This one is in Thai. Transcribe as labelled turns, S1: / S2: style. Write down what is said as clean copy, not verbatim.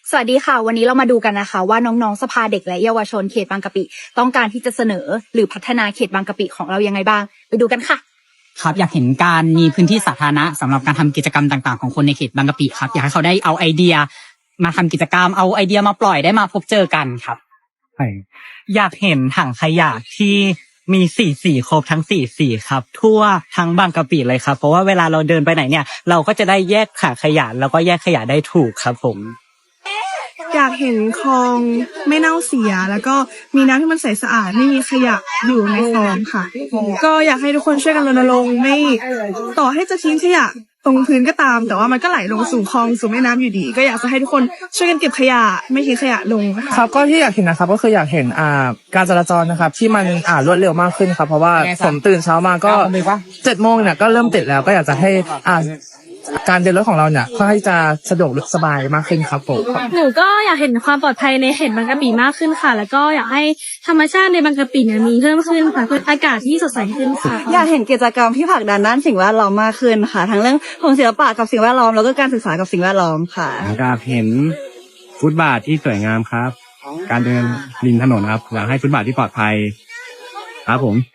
S1: สวัสดีค่ะวันนี้เรามาดูกันนะคะว่าน้องๆสภาเด็กและเยาวชนเขตบางกะปิต้องการที่จะเสนอหรือพัฒนาเขตบางกะปิของเรายังไงบ้างไปดูกันค่ะ
S2: ครับอยากเห็นการมีพื้นที่สาธารณะสำหรับการทำกิจกรรมต่างๆของคนในเขตบางกะปิครับอยากให้เขาได้เอาไอเดียมาทำกิจกรรมเอาไอเดียมาปล่อยได้มาพบเจอกันครับ
S3: อยากเห็นถังขยะที่มีสีครบทั้งสีครับทั่วทั้งบางกะปิเลยครับเพราะว่าเวลาเราเดินไปไหนเนี่ยเราก็จะได้แยกถังขยะแล้วก็แยกขยะได้ถูกครับผม
S4: อยากเห็นคลองไม่เน่าเสียแล้วก็มีน้ำที่มันใสสะอาดไม่มีขยะอยู่ในคลองค่ะก็อยากให้ทุกคนช่วยกันรณรงค์ไม่ต่อให้จะทิ้งขยะตรงพื้นก็ตามแต่ว่ามันก็ไหลลงสู่คลองสู่แม่น้ำอยู่ดีก็อยากจะให้ทุกคนช่วยกันเก็บขยะไม่ทิ้งขยะลง
S5: ครับก็ที่อยากเห็นนะครับก็คืออยากเห็นการจราจรนะครับที่มันรวดเร็วมากขึ้นครับเพราะว่าผมตื่นเช้ามาก็7 โมงเนี่ยก็เริ่มติดแล้วก็อยากจะให้การเดินรถของเราเนี่ยค่อนข้างจะสะดวกสบายมากขึ้นครับผม
S6: หนูก็อยากเห็นความปลอดภัยในเขตบางกะปิมากขึ้นค่ะแล้วก็อยากให้ธรรมชาติในบางกะปิเนี่ยมีเพิ่มขึ้นค่ะเพื่ออากาศที่สดใสขึ้นค่ะ
S7: อยากเห็นกิจกรรมที่ผลักดันด้านสิ่งแวดล้อมมากขึ้นค่ะทั้งเรื่องของศิลปะกับสิ่งแวดล้อมแล้วก็การศึกษากับสิ่งแวดล้อมค่ะ
S8: อยากเห็นฟุตบาทที่สวยงามครับการเดินริมถนนครับอยากให้ฟุตบาทที่ปลอดภัยครับผม